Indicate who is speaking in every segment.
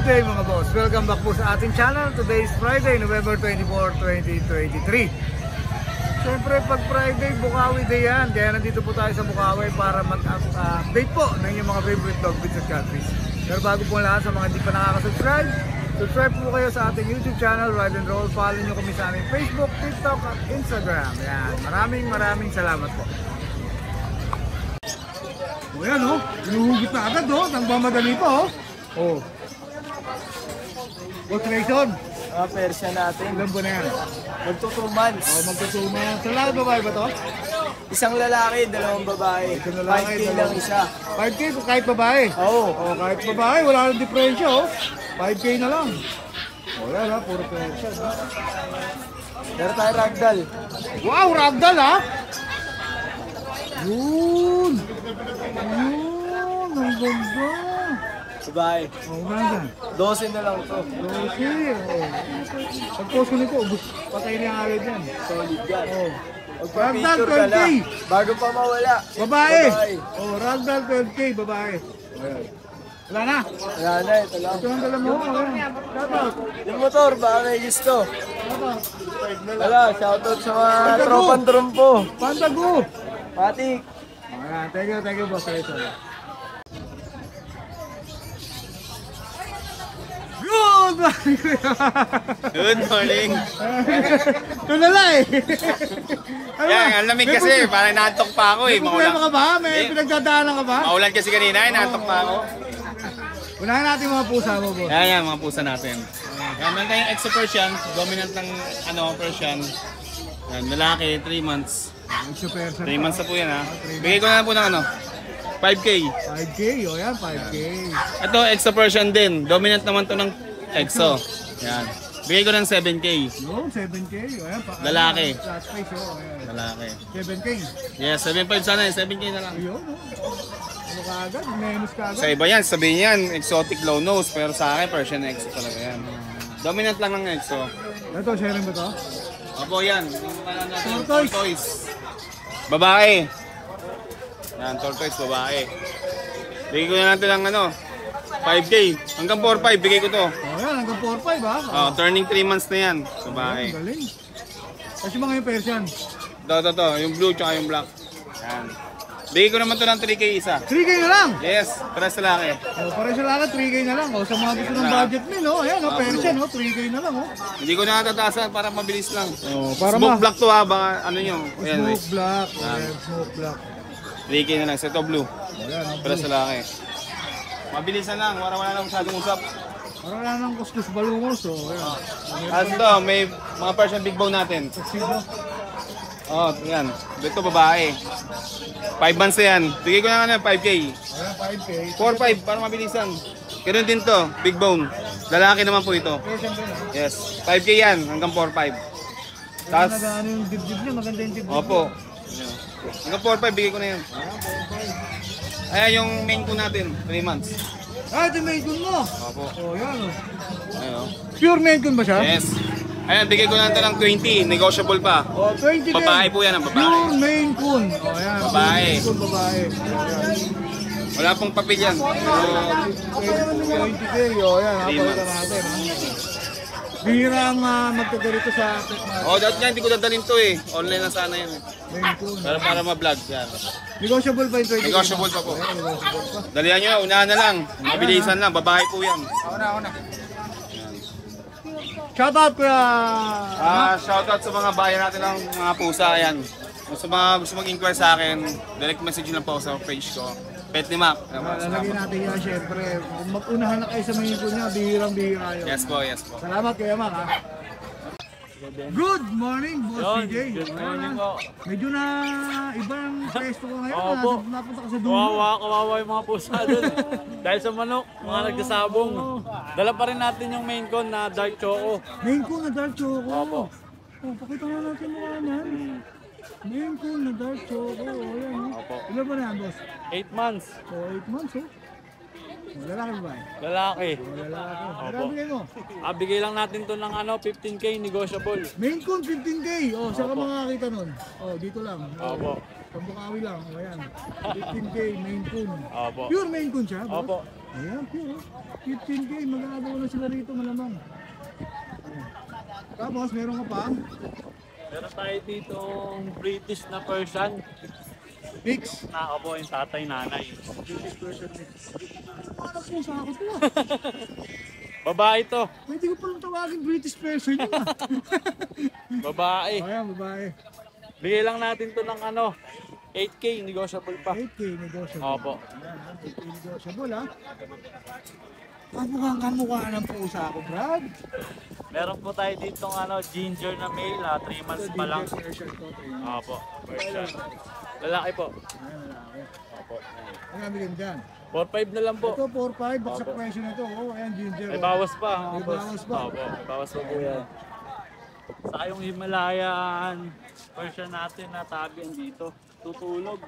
Speaker 1: day mga boss. Welcome back po sa ating channel. Today is Friday, November 24, 2023. Siyempre pag Friday, Bukawi Day yan. Kaya nandito po tayo sa Bukawi para mag-update po ng inyong mga favorite dog breeds at cat breeds. Pero bago po lahat, sa mga hindi pa nakaka-subscribe, subscribe po kayo sa ating YouTube channel, Ride and Roll. Follow nyo kami sa aming Facebook, TikTok at Instagram. Yan. Maraming salamat po. O yan o, inuhugit na agad o, nang mamadali pa o. O. Castration.
Speaker 2: Persian natin.
Speaker 1: Ilan ba na yan?
Speaker 2: Magto 2 months.
Speaker 1: O, magto 2 months. Lalaki babae ba to?
Speaker 2: Isang lalaki, dalawang babae.
Speaker 1: Isang lalaki,
Speaker 2: 5K lang isa.
Speaker 1: 5K kahit babae?
Speaker 2: Oo.
Speaker 1: O, kahit babae, wala nang diferensya o. 5K na lang. O yan ha, puro Persian ha.
Speaker 2: Meron tayo ragdoll.
Speaker 1: Wow, ragdoll ha? Yun! Yun! Ang ganda!
Speaker 2: Babae.
Speaker 1: Oh, ganda.
Speaker 2: 12 na lang to.
Speaker 1: Okay. Pag-post ko nito, patay na yung agad yan.
Speaker 2: Solid yan.
Speaker 1: Oh.
Speaker 2: Magpa-picture
Speaker 1: Ragdoll
Speaker 2: ka na.
Speaker 1: 12K.
Speaker 2: Bago pa mawala.
Speaker 1: Babae! Oh, ragdoll 12K, babae. Ayan. Wala na.
Speaker 2: Wala na, ito lang.
Speaker 1: Ito ang dala mo. Shoutout.
Speaker 2: Yung motor, baka may gusto.
Speaker 1: Shoutout.
Speaker 2: Wala, shoutout sa mga tropang trumpo.
Speaker 1: Pantago.
Speaker 2: Patik.
Speaker 1: Ayan, thank you, boss. Good morning!
Speaker 3: Good morning.
Speaker 1: Tulala eh.
Speaker 3: Yan, ang lamig kasi, parang naantok pa ako eh.
Speaker 1: May problema ka ba? May
Speaker 3: Eh,
Speaker 1: pinagdadaanan ka ba?
Speaker 3: Maulan kasi kanina, naantok pa ako.
Speaker 1: Unahin natin mga pusa mo, boss.
Speaker 3: Yan, mga pusa natin. Yan, meron tayong exo Persian, dominant ng Persian. Yan, lalaki, 3 months. 3 months na po yan ha. Bigay ko na po ng 5K.
Speaker 1: 5K, o yan, 5K.
Speaker 3: Ito, exo Persian din. Dominant naman to ng exo. Yan. Bigay ko ng 7K.
Speaker 1: Yung 7K, o yan.
Speaker 3: Lalaki.
Speaker 1: Flat face, o yan.
Speaker 3: Lalaki.
Speaker 1: 7K.
Speaker 3: Yes, 7.5 sana eh. 7K na lang.
Speaker 1: Ayun, o. Ano ka agad? Menos ka agad.
Speaker 3: Sa iba yan, sabihin yan, exotic low nose. Pero sa akin, Persian exo talaga yan. Dominant lang ng exo.
Speaker 1: Ito, sharing ba to?
Speaker 3: Opo yan. Yung natin,
Speaker 1: Tortoise.
Speaker 3: tortoise. Babae. Yan, tortoise, babae. Bigay ko na natin ng 5K. Hanggang 4-5, bigay ko to.
Speaker 1: O yan, hanggang 4-5 ha?
Speaker 3: Oh, turning 3 months na yan. Babae.
Speaker 1: Ang galing. Kasi mga yung Persian.
Speaker 3: To. Yung blue tsaka yung black. Yan. Bigay ko naman to ng 3K isa.
Speaker 1: 3K na lang!
Speaker 3: Yes, para sa laki.
Speaker 1: O, para sa lahat, 3K na lang. O, sa mga gusto ng budget min, o. Ayan, o, Persian, o. 3K na lang, o.
Speaker 3: Hindi ko na natataasan para mabilis lang.
Speaker 1: O, para
Speaker 3: Smoke black to ha, baka ano nyo. Ayan,
Speaker 1: Smoke black. Ayan, smoke black.
Speaker 3: 3K na lang. Sa ito blue.
Speaker 1: Ayan, o.
Speaker 3: Para sa laki. Mabilis na lang, wala na masyadong usap.
Speaker 1: Parang wala nang kuskus balungos, o. Ayan.
Speaker 3: As ito, may mga Persian big bone natin.
Speaker 1: Sino?
Speaker 3: Oh, yan. Ito babae. 5 months na yan. Bigay ko na 5K.
Speaker 1: Ayan, 5K.
Speaker 3: 4-5 para mabilisan. Ganun din to, big bone. Lalaki naman po ito.
Speaker 1: Persian din, o.
Speaker 3: Yes. 5K yan hanggang 4-5.
Speaker 1: Tapos,
Speaker 3: Tapos,
Speaker 1: ano yung dibdib niya, maganda yung dibdib.
Speaker 3: opo. Hanggang 4-5 bigay ko na yan. Ayan yung main ko natin, 3 months.
Speaker 1: Ah, ito yung main coon mo.
Speaker 3: Opo.
Speaker 1: O, yan, o.
Speaker 3: Ayan o.
Speaker 1: Pure main coon ba siya?
Speaker 3: Yes. Ayan, bigay ko na ito ng 20, negotiable pa.
Speaker 1: O, 20 din.
Speaker 3: Babae po yan, ang babae.
Speaker 1: Pure main coon. O, yan.
Speaker 3: Babae.
Speaker 1: Pure main coon, babae. Ayan.
Speaker 3: Wala pong papel yan. Pero,
Speaker 1: 20K, o, yan.
Speaker 3: 3
Speaker 1: Napalitan
Speaker 3: months.
Speaker 1: natin, ha. Bihira ang magkagarito sa pet market.
Speaker 3: oh, dati nga, hindi ko dadalhin to eh. Online na sana yan.
Speaker 1: Main coon.
Speaker 3: Pero para ma-vlog yan.
Speaker 1: Negotiable pa yung 20K?
Speaker 3: Negotiable pa po.
Speaker 1: Ayan, negotiable pa.
Speaker 3: Dalihan nyo, unahan na lang. Mabilisan lang, babae po yan.
Speaker 1: Ako na. Shoutout kuya.
Speaker 3: Shoutout sa mga bayan natin ng mga pusa, ayan. Sa mga gusto mag-inquire sa akin, direct message lang po ako sa page ko. Pet ni Mac.
Speaker 1: Lalagyan natin yan syempre. Kung mag-unahan na kayo sa mga ipon niya, bihirang-bihira yun.
Speaker 3: Yes po, yes po.
Speaker 1: Salamat kuya Mac ha. Good morning, Boss CJ.
Speaker 4: Good morning po.
Speaker 1: Medyo na ibang pwesto ko ngayon.
Speaker 4: Opo.
Speaker 1: Napunta ka sa dulo.
Speaker 4: Kawawa yung mga pusa doon. Dahil sa manok, mga nagsasabong. Dala pa rin natin yung main con na dark choco.
Speaker 1: Main coon na dark choco.
Speaker 4: Opo.
Speaker 1: Oh, pakita nga natin mukha niyan. Main coon na dark choco. Ayan.
Speaker 4: Opo.
Speaker 1: Ilan ba na yan, boss?
Speaker 4: 8 months.
Speaker 1: Oh, 8 months oh. Lalaki ba eh?
Speaker 4: Lalaki.
Speaker 1: Lalaki.
Speaker 4: Opo.
Speaker 1: Grabe kayo mo.
Speaker 4: Bigay lang natin to ng 15K negotiable.
Speaker 1: Main coon 15K. Oh, saan ka makakita nun? Oh, dito lang.
Speaker 4: Opo.
Speaker 1: Sa Bukawi lang. Oh, ayan. 15K main coon.
Speaker 4: Opo.
Speaker 1: Pure main coon siya, boss?
Speaker 4: Opo.
Speaker 1: Ayan, pure. 15K, mag-aagaw na sila rito malamang. Tapos, meron ka pa?
Speaker 4: Meron tayo dito British na Persian.
Speaker 1: Mix.
Speaker 4: Na ako po yung tatay nanay.
Speaker 1: British version mix. Ano po sa ako to ah?
Speaker 4: Babae to.
Speaker 1: Pwede ko palang tawagin British version yun ah.
Speaker 4: Babae.
Speaker 1: Ayan, babae.
Speaker 4: Bigay lang natin to ng ano, 8K, negotiable pa.
Speaker 1: 8K negotiable.
Speaker 4: Opo.
Speaker 1: Ayan, 8K negotiable ah. Kamukha ng pusa ako, Brad.
Speaker 4: Meron po tayo dito ng ano, ginger na male, 3 months pa lang.
Speaker 1: Version to, 3 months.
Speaker 4: Opo, Persian. Lalaki po.
Speaker 1: Ayan, lalaki.
Speaker 4: Opo.
Speaker 1: Ang nabigyan dyan.
Speaker 4: 4-5 na lang po.
Speaker 1: Ito, 4-5, baksak presyo na ito. Oh, ayan, ginger.
Speaker 4: May
Speaker 1: oh.
Speaker 4: bawas pa.
Speaker 1: May bawas pa.
Speaker 4: Opo, may bawas pa po yan. Sa yung Himalayan Persian natin na tabi dito. Tutulog.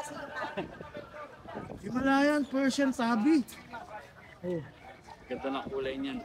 Speaker 1: Himalayan Persian Tabi. Oh,
Speaker 4: Ganda ng kulay niyan.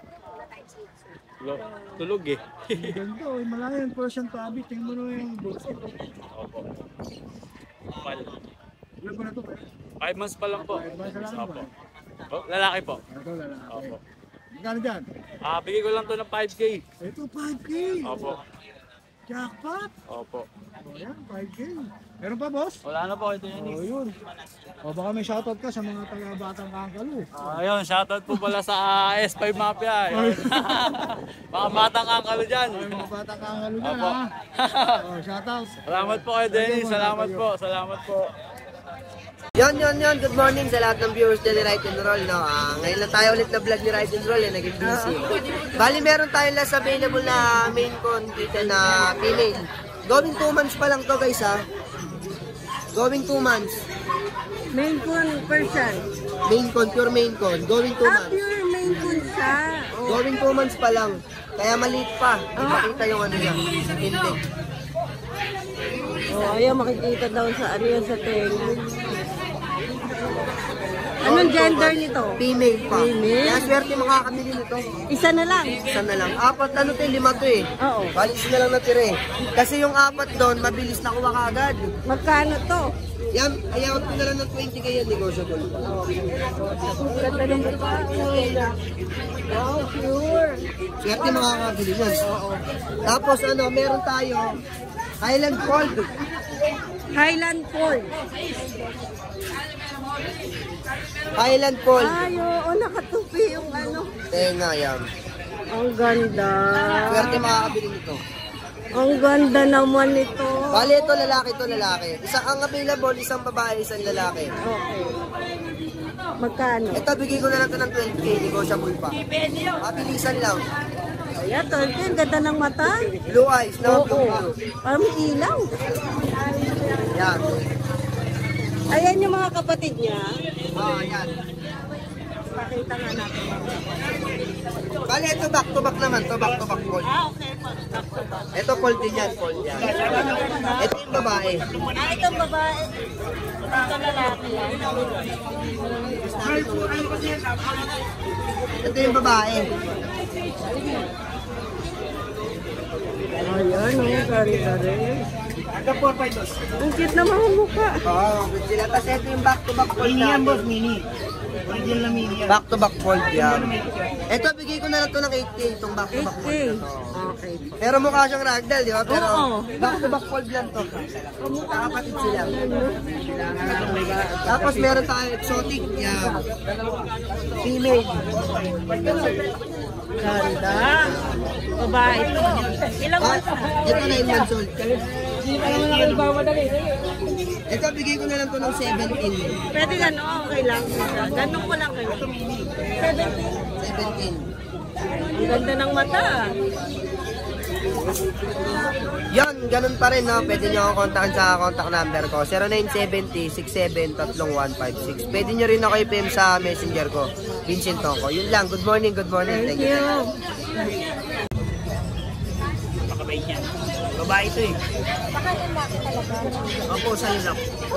Speaker 4: Tulog eh.
Speaker 1: ang ganda. Oh, Himalayan Persian Tabi. Tingnan mo na yung bulls.
Speaker 4: Opo. Pal.
Speaker 1: Ilan ba na ito?
Speaker 4: 5 months pa lang po.
Speaker 1: 5 months pa lang
Speaker 4: Opo.
Speaker 1: ba?
Speaker 4: Oh, lalaki po.
Speaker 1: Ito, lalaki.
Speaker 4: Opo.
Speaker 1: Magkano dyan?
Speaker 4: Bigay ko lang to ng 5K.
Speaker 1: Ito, 5K.
Speaker 4: Opo.
Speaker 1: Jackpot.
Speaker 4: Opo.
Speaker 1: O yan, 5K. Meron pa, boss?
Speaker 4: Wala na po ito
Speaker 1: O
Speaker 4: yan.
Speaker 1: yun. O baka may shoutout ka sa mga taga-batang Kangkalo.
Speaker 4: Ayun, shoutout po pala sa S5 Mafia. Ayun. Mga batang angkalo dyan.
Speaker 1: Ay, mga batang Kangkalo dyan,
Speaker 4: Opo.
Speaker 1: ha? O, shoutout.
Speaker 4: Salamat po kay Denny. Salamat po. Salamat po.
Speaker 2: Yon. Good morning sa lahat ng viewers ni Ride and Roll. No? Ngayon lang tayo ulit na vlog ni Ride and Roll. Naging busy. Bali, meron tayong last available na main con dito na female. Going 2 months pa lang to guys ha. Going 2 months.
Speaker 5: Main con Persian.
Speaker 2: Main con, pure main con. Going 2 months.
Speaker 5: Pure main con siya. Oh.
Speaker 2: Going 2 months pa lang. Kaya maliit pa. Ipakita yung ano niya. Intake.
Speaker 5: Oh, ayaw makikita daw sa ano yan sa tenga. Anong gender nito?
Speaker 2: Female pa.
Speaker 5: Female?
Speaker 2: Kaya swerte makakabili nito.
Speaker 5: Isa na lang.
Speaker 2: Isa na lang. 4 ano to, 5 to eh.
Speaker 5: Oo.
Speaker 2: Balis na lang natira eh. Kasi yung 4 doon, mabilis na kuha kaagad.
Speaker 5: Magkano to?
Speaker 2: Yan, ayaw ko na lang ng 20 kaya negotiable.
Speaker 5: Ganda ng wow, pure.
Speaker 2: Swerte makakabili yan. Tapos ano, meron tayo Highland Fold.
Speaker 5: Highland Fold.
Speaker 2: Highland Fold.
Speaker 5: Ay, oo, nakatupi yung ano.
Speaker 2: Tenga yan.
Speaker 5: Ang ganda.
Speaker 2: Swerte makakabili nito.
Speaker 5: Ang ganda naman ito.
Speaker 2: Bali ito lalaki. Isa ang available, isang babae, isang lalaki.
Speaker 5: Okay. Magkano?
Speaker 2: Ito, bigay ko na lang ito ng 20k, negotiable pa. Mabilisan lang.
Speaker 5: Ayan, Tolkien, ang ganda ng mata.
Speaker 2: Blue eyes, no? Blue.
Speaker 5: Parang may ilaw.
Speaker 2: Yan.
Speaker 5: Ayan yung mga kapatid niya.
Speaker 2: Yan.
Speaker 5: Pakita nga natin.
Speaker 2: Bali, ito back to back naman. Ito back to back fold.
Speaker 5: Okay po.
Speaker 2: Ito fold din yan, fold yan. Ito yung babae.
Speaker 5: Itong babae. Ito lalaki lang.
Speaker 2: Ito yung babae.
Speaker 5: Ayan, ang ganda rin. Ang cute na mga mukha.
Speaker 2: Oo, good sila. Tapos ito yung back to back fold natin. Boss, mini. Original na mini. Back to back fold yan. Ito, bigay ko na lang ito ng 8k, itong back to back
Speaker 5: 8K.
Speaker 2: fold na to.
Speaker 5: Okay.
Speaker 2: Pero mukha siyang ragdoll, di ba? Pero
Speaker 5: Oo.
Speaker 2: back to back fold lang to. Kakapatid sila. Tapos meron tayo exotic. Yan. Female.
Speaker 5: Ganda. Babae ito. Ilang months na?
Speaker 2: Ito 9 months old. Ito, bigay ko na lang to ng 17.
Speaker 5: Pwede gano'n, okay lang. Ganun ko lang kayo.
Speaker 2: 17.
Speaker 5: Ang ganda ng mata.
Speaker 2: Yan, ganun pa rin, no? Pwede nyo akong kontakin sa contact number ko. 0970-67-33156. Pwede nyo rin ako i-PM sa messenger ko. Vincent Toko. Yun lang. Good morning, good morning.
Speaker 5: Thank you.
Speaker 2: Pakabait yan. Babae ito eh. Opo, sa lang.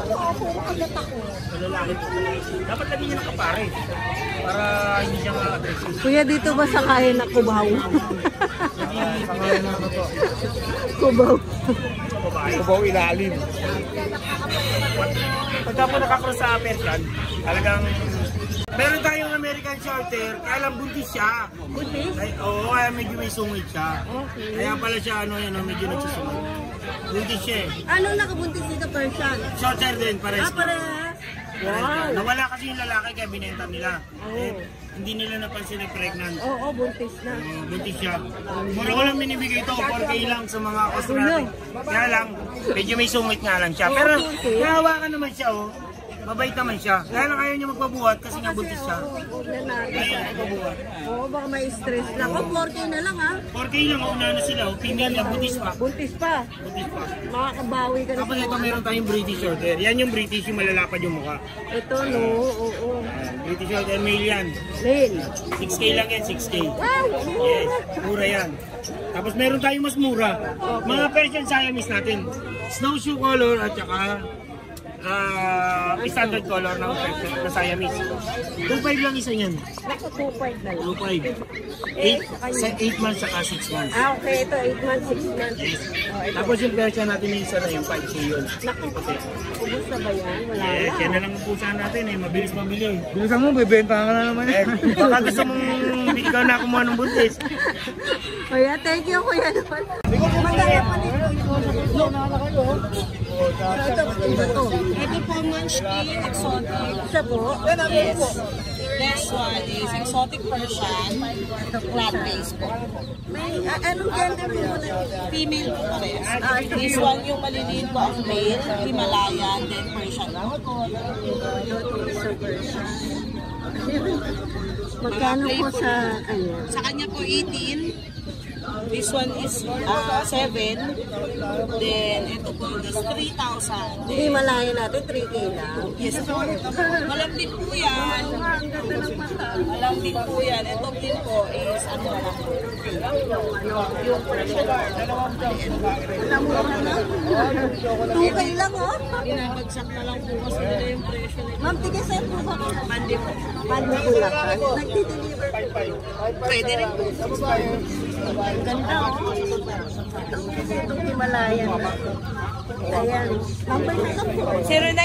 Speaker 2: Sa lalaki po. Dapat lagi niya nakapare. Para hindi siya ma-aggressive.
Speaker 5: Kuya, dito ba sakayan na kubaw?
Speaker 1: Sakayan na ano to.
Speaker 5: Kubaw.
Speaker 1: Kubaw ilalim.
Speaker 3: Pagka po nakakross sa Persian, talagang
Speaker 6: Meron tayong American Shorter, kaya lang buntis siya.
Speaker 5: Buntis?
Speaker 6: Oo, kaya medyo may sungit siya.
Speaker 5: Okay.
Speaker 6: Kaya pala siya, medyo nagsusungit. Buntis siya eh.
Speaker 5: Anong nakabuntis dito, Persian?
Speaker 6: Shorter din, pares.
Speaker 5: Parehas. Wow.
Speaker 6: Nawala kasi yung lalaki kaya binenta nila. Hindi nila napansin na pregnant.
Speaker 5: Oo, buntis na.
Speaker 6: Buntis siya. Mura ko lang binibigay ito, 4K lang sa mga Australian. Kaya lang, medyo may sungit nga lang siya. Pero, nahawakan naman siya, oh. Mabait naman siya. Kaya lang ayaw niya magpabuhat kasi nga buntis siya. Ayaw magpabuhat.
Speaker 5: Oo, baka may stress lang. O, 4K na lang ha.
Speaker 6: 4K lang, una na sila. Female na, buntis pa.
Speaker 5: Buntis pa.
Speaker 6: Buntis pa.
Speaker 5: Makakabawi ka na.
Speaker 6: Tapos ito meron tayong British Shorthair. Yan yung British, yung malalapad yung mukha.
Speaker 5: Ito, no? Oo.
Speaker 6: British Shorthair, male yan.
Speaker 5: Male.
Speaker 6: 6K lang yan, 6K.
Speaker 5: Wow!
Speaker 6: Yes, mura yan. Tapos meron tayong mas mura. Mga Persian Siamese natin. Snowshoe color at saka standard color ng Persian na Siamese. 2.5 lang isa yan.
Speaker 5: Naku, 2.5 na lang.
Speaker 6: 2.5. 8 months saka 6 months.
Speaker 5: Ah, okay. Ito, 8 months, 6 months.
Speaker 6: Tapos yung Persian natin yung isa na yung 5K yun.
Speaker 5: Naku, ubus na ba yan? Wala
Speaker 6: Yes,
Speaker 5: na.
Speaker 6: yan na lang ang pusahan natin eh. Mabilis mabili.
Speaker 1: Bilisan mo, bibenta ka na naman.
Speaker 6: Baka gusto mong ikaw na kumuha ng buntis.
Speaker 5: Kuya, thank you, kuya naman. Magkano pa dito?
Speaker 7: Ito po Munchkin Exotic.
Speaker 5: Isa po?
Speaker 7: Yes. This one is Exotic Persian. Flat base po.
Speaker 5: May, anong gender mo muna?
Speaker 7: Female po parehas. This one yung maliliit po ang male, Himalayan, then Persian.
Speaker 5: Magkano po sa, ano?
Speaker 7: Sa kanya po 18. This one is 7. Then ito po is 3,000.
Speaker 5: Hindi malayo natin, 3K lang.
Speaker 7: Yes po. Malambing po yan. Malambing po yan. Ito din po is ano na lang. Yung Persian. Dalawang
Speaker 5: Alam mo na. 2K lang, oh.
Speaker 7: binabagsak na lang po kasi nila yung presyo nila.
Speaker 5: Ma'am, tigas sa'yo po ba?
Speaker 7: Mandi po.
Speaker 5: Paano po lang? Nagdi-deliver po.
Speaker 7: Pwede rin po.
Speaker 5: Ganda, oh. Itong Himalayan na. Ayan. Number na lang po.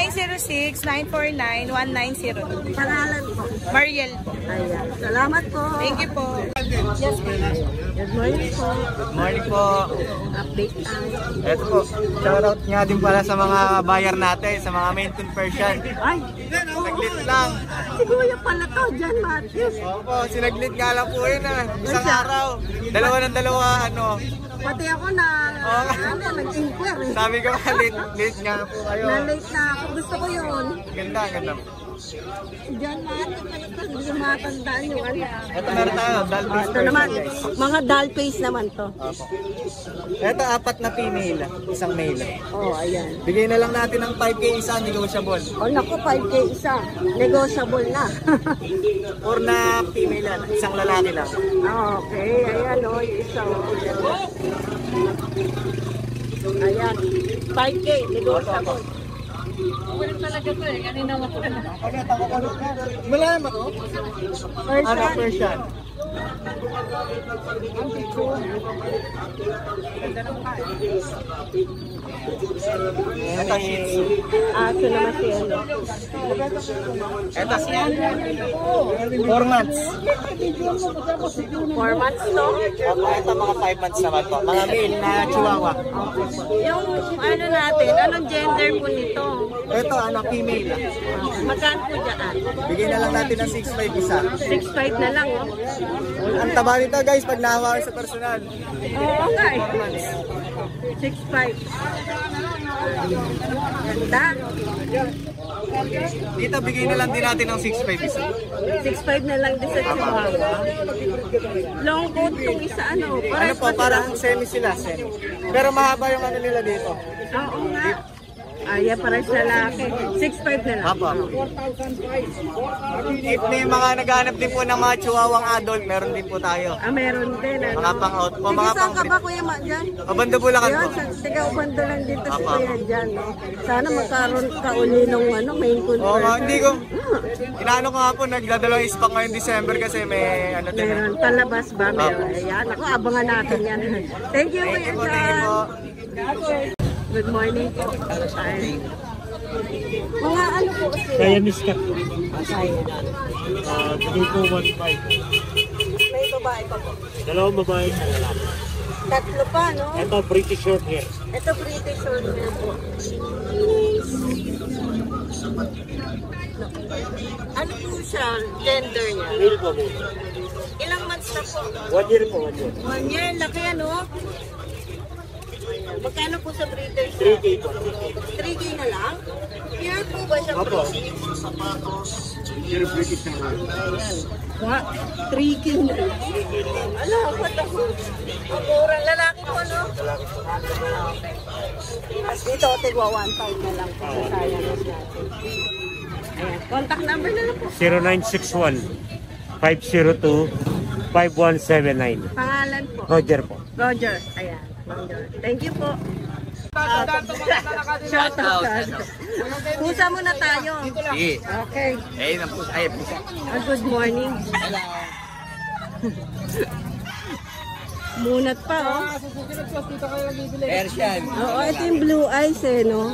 Speaker 7: 0906-949-1902.
Speaker 5: Pangalan po.
Speaker 7: Mariel po.
Speaker 5: Ayan. Salamat po.
Speaker 7: Thank you po.
Speaker 5: Good morning po.
Speaker 1: Good morning po.
Speaker 5: Update tayo.
Speaker 1: Ito po, shoutout nga din pala sa mga buyer natin, sa mga Maine Persian.
Speaker 5: Ay,
Speaker 1: Saglit lang.
Speaker 5: si Kuya pala to, John Matthews.
Speaker 1: Opo, sinaglit nga lang po yun ah. Isang araw. Dalawa ng dalawa, ano.
Speaker 5: Pati ako na, nag-inquire eh.
Speaker 1: Sabi ko nga, late nga po kayo.
Speaker 5: Na-late na ako. Gusto ko yun.
Speaker 1: Ganda, ganda.
Speaker 5: Si John Matthews pala to, hindi ko matandaan yung ano.
Speaker 1: Ito meron tayo, Dalbis
Speaker 5: Ito naman, mga doll face naman to.
Speaker 1: Ito, 4 na female, isang male.
Speaker 5: Oh, ayan.
Speaker 1: Bigay na lang natin ng 5K isa, negotiable.
Speaker 5: Oh, naku, 5K isa. Negotiable na.
Speaker 1: 4 na female yan, isang lalaki lang.
Speaker 5: Okay, ayan o, yung isa o. Ayan, 5K, negotiable.
Speaker 1: Malaman mo? Ano, Persian? Ito, Shih Tzu.
Speaker 5: Aso naman si ano.
Speaker 1: Ito, 4 months.
Speaker 5: 4 months, no?
Speaker 1: Ito, mga 5 months naman po. Mga male na chihuahua.
Speaker 5: Yung ano natin, anong gender po nito?
Speaker 1: Ito, ano, female.
Speaker 5: Magkano po dyan?
Speaker 1: Bigay na lang natin ng 6.5 isa.
Speaker 5: 6.5 na lang, oh.
Speaker 1: Ang taba nito guys, pag nahawakan sa personal.
Speaker 5: Oo nga eh. 6.5. Ganda.
Speaker 1: Dito, bigay na lang din natin ng 6.5 isa.
Speaker 5: 6.5 na lang din sa Chihuahua. Long coat tong isa, ano?
Speaker 1: Ano po, parang semi sila, semi. Pero mahaba yung ano nila dito.
Speaker 5: Oo nga. Ayan, parang sa lalaki. 6.5 na lang.
Speaker 1: Apo. If may mga naghanap din po ng mga chihuahuang adult, meron din po tayo.
Speaker 5: Ah, meron din, ano?
Speaker 1: Mga pang-out po,
Speaker 5: Sige,
Speaker 1: mga
Speaker 5: saan ka
Speaker 1: pang-
Speaker 5: ba, Kuya Ma, dyan?
Speaker 1: Mabanda Bulacan po.
Speaker 5: Yun, tiga ubando lang dito si
Speaker 1: Apa.
Speaker 5: Kuya dyan, no? Sana magkaroon ka uli ng ano, main
Speaker 1: Oo
Speaker 5: control.
Speaker 1: nga, hindi ko. Inaano ko nga po, nagdadalawang ispak ngayong December kasi may ano din.
Speaker 5: Meron, palabas ba? Meron. Ayan, ako, abangan natin yan. Thank you, Kuya
Speaker 1: Thank you po, thank you
Speaker 5: John.
Speaker 1: po.
Speaker 5: Good morning po. Ay. Mga ano po,
Speaker 6: Kaya miss ka.
Speaker 5: Kaya.
Speaker 6: Bigay ko 1.5.
Speaker 5: May babae pa po.
Speaker 6: Dalawang babae sa lalaki.
Speaker 5: Tatlo pa, no?
Speaker 6: Ito, British short hair.
Speaker 5: Ito British short hair po. Ano po siya? Gender niya?
Speaker 6: Male po mo.
Speaker 5: Ilang months na po?
Speaker 6: 1 year po, 1 year.
Speaker 5: 1 year, laki ano? Magkano po sa British?
Speaker 6: 3K po.
Speaker 5: 3K na lang? Pure po ba siya?
Speaker 6: Opo. Pure British na hair.
Speaker 5: Wa, 3K na lang. Ano, what the fuck? Ang murang lalaki po, no? Okay. Tapos dito, tigwa 1.5 na lang po sa Sayanos natin. Ayan, contact number na lang po.
Speaker 6: 0961-502-5179.
Speaker 5: Pangalan po.
Speaker 6: Roger po.
Speaker 5: Roger. Ayan. Roger. Thank you po. Shout out. Pusa muna tayo.
Speaker 3: Sige.
Speaker 5: Okay.
Speaker 3: Eh, ng pusa. Ay, pusa.
Speaker 5: Good morning. Munat pa, oh.
Speaker 3: Persian.
Speaker 5: Oo, ito yung blue eyes, eh, no?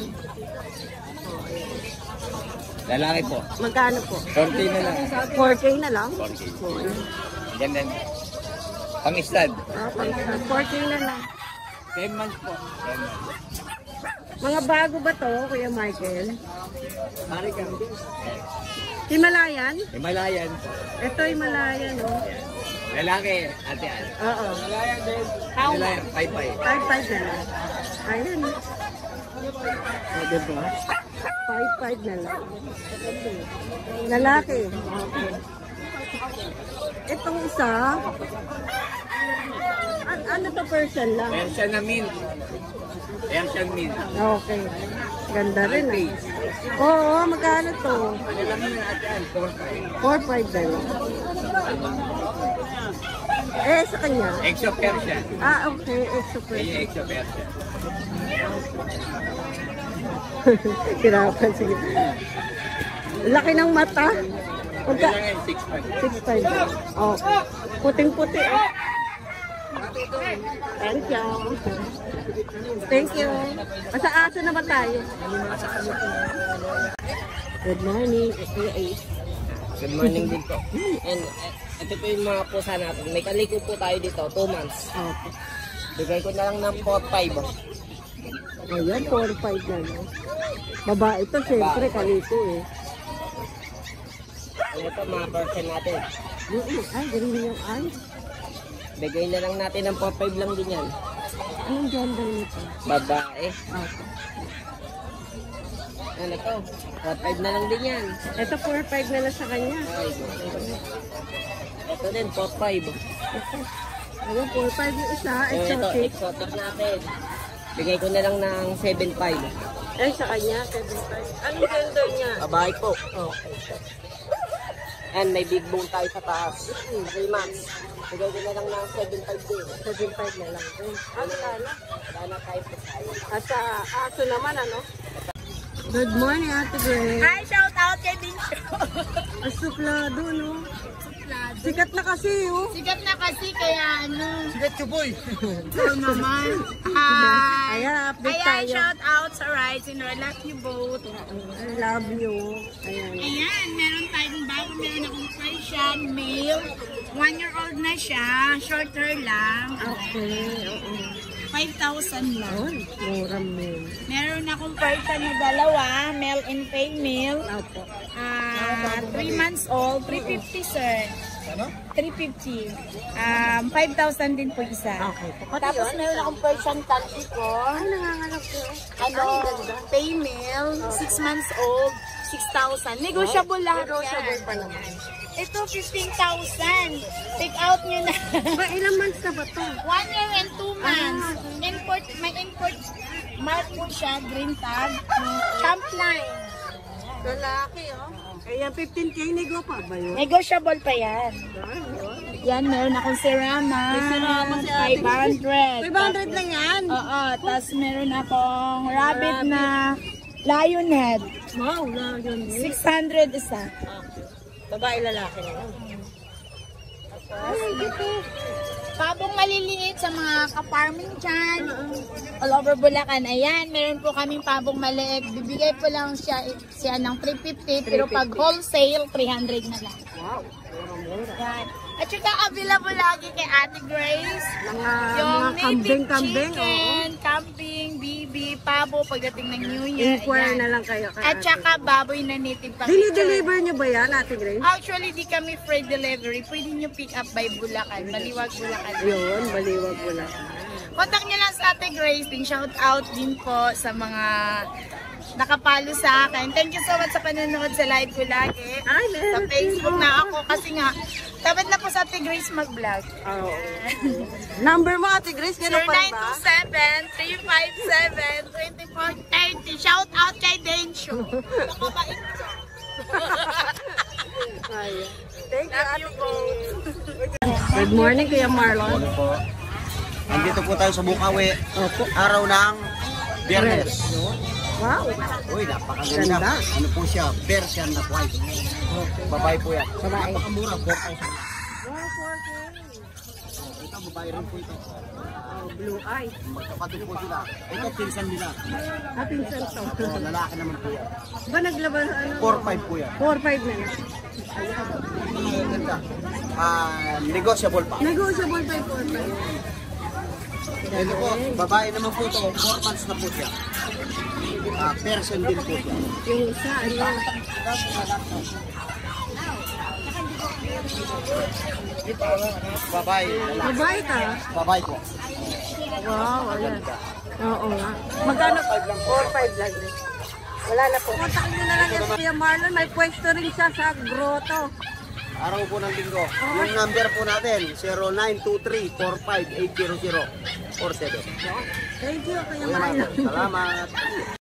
Speaker 3: Lalaki po.
Speaker 5: Magkano po?
Speaker 3: 40 na lang.
Speaker 5: 4K na lang?
Speaker 3: 40. Ganda. Pang-istad.
Speaker 5: Ah, 4K na lang.
Speaker 3: 10 months po. 10 months.
Speaker 5: Mga bago ba to, Kuya Michael?
Speaker 3: Pare ka.
Speaker 5: Himalayan?
Speaker 3: Himalayan.
Speaker 5: Ito Himalayan, no?
Speaker 3: Lalaki, ate Ann.
Speaker 5: Oo.
Speaker 3: Himalayan din. Himalayan, pay-pay.
Speaker 5: 5-5 na lang. Ayun. O, diba? 5-5 na lang. Lalaki. Okay. Itong isa, ano to, Persian lang?
Speaker 3: Persian na mint. Persian mint.
Speaker 5: Okay. Ganda rin, ah. Oo, magkano to?
Speaker 3: Ano lang yun ate Ann?
Speaker 5: 4-5 na lang. Eh, sa kanya?
Speaker 3: Exo Persian.
Speaker 5: Ah, okay. Extra
Speaker 3: Ay,
Speaker 5: Persian.
Speaker 3: exo Persian.
Speaker 5: Kirapan, sige. Laki ng mata. Pagka...
Speaker 3: Kailangan yung 6'5".
Speaker 5: 6'5". Oh. Puting-puti, oh. Thank you. Thank you. Sa aso na ba tayo? Good morning.
Speaker 2: Good morning din po. And ito po yung mga pusa natin. May kaliko po tayo dito, 2 months.
Speaker 5: Okay.
Speaker 2: Bigay ko na lang ng 4-5.
Speaker 5: Ayan, 4-5 na, no? Babae ito, syempre, kaliko, eh.
Speaker 2: Ano ito, mga version natin.
Speaker 5: Ay, ganun yung eyes.
Speaker 2: Bigay na lang natin ng 4-5 lang din yan.
Speaker 5: Anong gender nito?
Speaker 2: Babae.
Speaker 5: Okay.
Speaker 2: Ano to? 4-5 na lang din yan.
Speaker 5: Ito, 4-5 na lang sa kanya.
Speaker 2: Ay, ito din, 4-5.
Speaker 5: Ayan, 4-5 yung isa,
Speaker 2: Ito,
Speaker 5: exotic.
Speaker 2: exotic natin. Bigay ko na lang ng 7-5.
Speaker 5: Ay, sa kanya, 7-5. Anong gender niya?
Speaker 2: Babae po.
Speaker 5: Okay.
Speaker 2: And may big bone tayo sa taas. 3 months. Bigay ko na lang ng 7.5 din.
Speaker 5: 7.5 na lang. Ano na?
Speaker 2: Wala na tayo po tayo.
Speaker 5: At sa aso naman, ano? Good morning, Ate Grace.
Speaker 7: Hi, shout out kay Bincho.
Speaker 5: Ang suplado, no? Sikat na kasi, oh.
Speaker 7: Sikat na kasi kaya ano.
Speaker 1: Sigat chuboy.
Speaker 7: So naman. Hi.
Speaker 5: Ayan, update
Speaker 7: Ayan,
Speaker 5: tayo.
Speaker 7: shout out sa Rides and I love you both.
Speaker 5: I love you. Ayan.
Speaker 7: Ayan, meron tayong bago. Meron akong Persian male. 1-year-old na siya. Short hair lang.
Speaker 5: Okay, oo.
Speaker 7: 5,000 lang.
Speaker 5: Oh, mura mo.
Speaker 7: Meron akong Persian na dalawa. Male and female.
Speaker 5: Opo.
Speaker 7: 3 months old. 350, sir.
Speaker 1: Ano?
Speaker 7: 350. 5,000 din po isa.
Speaker 5: Okay.
Speaker 7: Tapos meron akong Persian Tanti ko.
Speaker 5: Ay, nangangalap ko.
Speaker 7: Ano, female, 6 months old, 6,000. Negotiable lahat
Speaker 5: Negotiable
Speaker 7: yan.
Speaker 5: pa naman.
Speaker 7: Ito, 15,000. Take out nyo na.
Speaker 5: Ba, ilang months na ba to?
Speaker 7: 1 year and 2 months. Import, may import mark po siya, green tag. Champ line.
Speaker 5: Lalaki, oh. Ayan, 15K nego pa ba yun?
Speaker 7: Negotiable pa yan. Yan, meron akong Serama.
Speaker 5: May Serama si ate.
Speaker 7: 500.
Speaker 5: 500 lang yan.
Speaker 7: Oo, tapos meron akong rabbit na lion head.
Speaker 5: Wow, na yun.
Speaker 7: 600 isa.
Speaker 5: Babae, lalaki na lang.
Speaker 7: Ay, dito.
Speaker 8: Pabong maliliit sa mga ka-farming dyan. All over Bulacan. Ayan, meron po kaming pabong maliit. Bibigay po lang siya ng 350 pero pag wholesale, 300 na lang.
Speaker 5: Wow.
Speaker 8: Yan. At saka available lagi kay Ate Grace.
Speaker 5: Mga kambing-kambing.
Speaker 8: Chicken, kambing, bibi, pabo pagdating ng New Year.
Speaker 5: Inquire
Speaker 8: Ayan.
Speaker 5: na lang kayo.
Speaker 8: At saka baboy na native pa.
Speaker 5: Dili-deliver nyo ba yan, Ate Grace?
Speaker 8: Actually, di kami free delivery. Pwede nyo pick up by Bulacan. Baliwag Bulacan.
Speaker 5: Yun, baliwag mo lang.
Speaker 8: Contact nyo lang sa Ate Grace. Shout out din po sa mga nakapalo sa akin. Thank you so much sa panonood sa live ko lagi.
Speaker 5: Ay,
Speaker 8: Sa Facebook na ako kasi nga, dapat na po sa Ate Grace mag-vlog.
Speaker 5: Oh. Number mo, Ate Grace, ganun pa ba?
Speaker 8: 0927-357-2430. Shout out kay Densyo. Nakabait ko.
Speaker 5: Thank you, Ate Grace. Good morning, Kuya Marlon.
Speaker 9: Nandito po tayo sa Bukawi. Araw ng Biyernes.
Speaker 5: Wow.
Speaker 9: Uy, napakaganda.
Speaker 5: Ganda.
Speaker 9: Ano po siya? Persian na white. Babae po yan.
Speaker 5: Babae.
Speaker 9: Napakamura. 4,000.
Speaker 5: Wow, 4K.
Speaker 9: Ito, babae rin po ito.
Speaker 5: Blue eye.
Speaker 9: Magkapatid po sila. Ito, pinsan nila.
Speaker 5: Pinsan to.
Speaker 9: Lalaki naman po yan.
Speaker 5: Ba naglaban, ano?
Speaker 9: 4,500 po yan.
Speaker 5: 4-5 na lang.
Speaker 9: Ganda. Negotiable pa.
Speaker 5: Negotiable pa yung 4-5.
Speaker 9: Ito po, babae naman po ito. 4 months na po siya. Persian din po siya.
Speaker 5: Yung isa, ano?
Speaker 9: Babae.
Speaker 5: Babae ka?
Speaker 9: Babae po.
Speaker 5: Wow, ayan. Oo nga. Magkano? 4-5 lang din. Wala na po. Kontak nyo na lang yan, Kuya Marlon. May pwesto rin siya sa grotto.
Speaker 9: Araw po ng linggo. Yung number po natin, 0923-45-800-47.
Speaker 5: Thank you, Kuya
Speaker 9: Salamat.
Speaker 5: Marlon.
Speaker 9: Salamat.